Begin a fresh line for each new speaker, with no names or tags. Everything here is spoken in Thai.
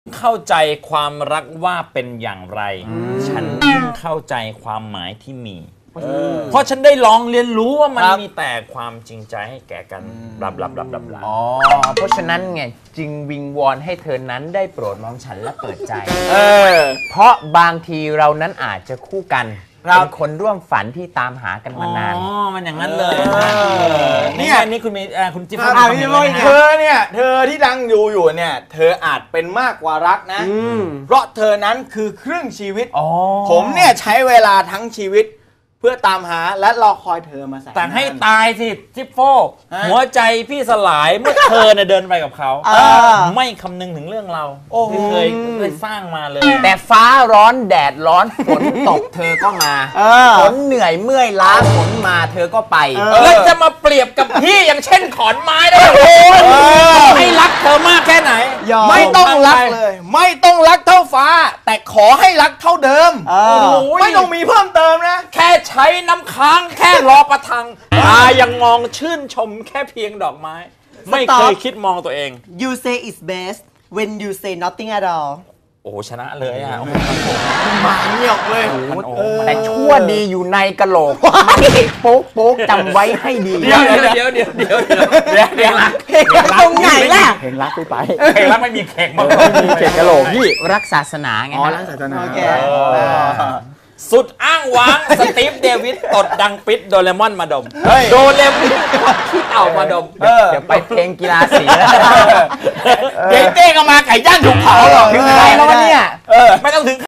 เข้าใจความรักว่าเป็นอย่างไรฉันเพิ่งเข้าใจความหมายที่มีเพราะฉันได้ลองเรียนรู้ว่ามันมีแต่ความจริงใจให้แก่กันบลาบลาบลาบลา
อ๋อเพราะฉะนั้นไงจึงวิงวอนให้เธอนั้นได้โปรดมองฉันและเปิดใจเพราะบางทีเรานั้นอาจจะคู่กันเป็นคนร่วมฝันที่ตามหากันมานาน
อ๋อมันอย่างนั้นเลยนี่คุณมีคุณจิ๊บ
เธอเนี่ยเธอที่ดังอยู่เนี่ยเธออาจเป็นมากกว่ารักนะเพราะเธอนั้นคือครึ่งชีวิตผมเนี่ยใช้เวลาทั้งชีวิตเพื่อตามหาและรอคอยเธอมาใส่
แต่ให้ตายสิจิ๊บโฟหัวใจพี่สลายเมื่อเธอเดินไปกับเขาไม่คำนึงถึงเรื่องเราที่เคยสร้างมาเลย
แต่ฟ้าร้อนแดดร้อนฝนตกเธอก็มาฝนเหนื่อยเมื่อยล้าฝนมาเธอก็ไป
แล้วจะมาเปรียบกับพี่อย่างเช่นขอนไม้ได้โอ้ให้รักเธอมากแค่ไหน
ไม่ต้องรักเลยไม่ต้องรักเท่าฟ้าแต่ขอให้รักเท่าเดิมไม่ต้องมีเพิ่มเติมนะ
แค่ใช้น้ำค้างแค่รอประทังตายังมองชื่นชมแค่เพียงดอกไม้ไม่เคยคิดมองตัวเอง
You say it's best when you say nothing at all
โอ้ชนะเลยอ่ะ
มาเงียบเลย
แต่ชั่วดีอยู่ในกะโหลกโป๊กโป๊กจำไว้ให้ดี
เดี๋ยวเพลงรัก
ตรงไหนล่ะ
เพลงรักไป
เพลงรักไม่มีเข่งมา
มีเข่งกะโหลกพี่รักศาสนาไง
รักศาสนา
สุดอ้างว้างสตีฟเดวิดตดดังปิดโดเรมอนมาดมโดเรมอนขี้เต่ามาดม
เดี๋ยวไปเพลงกีฬาสีแล้ว
เต้ก็มาไก่ย่างถูกเผาหรอก
ถึงใครแล้ววะเนี่ย
ไม่ต้องถึง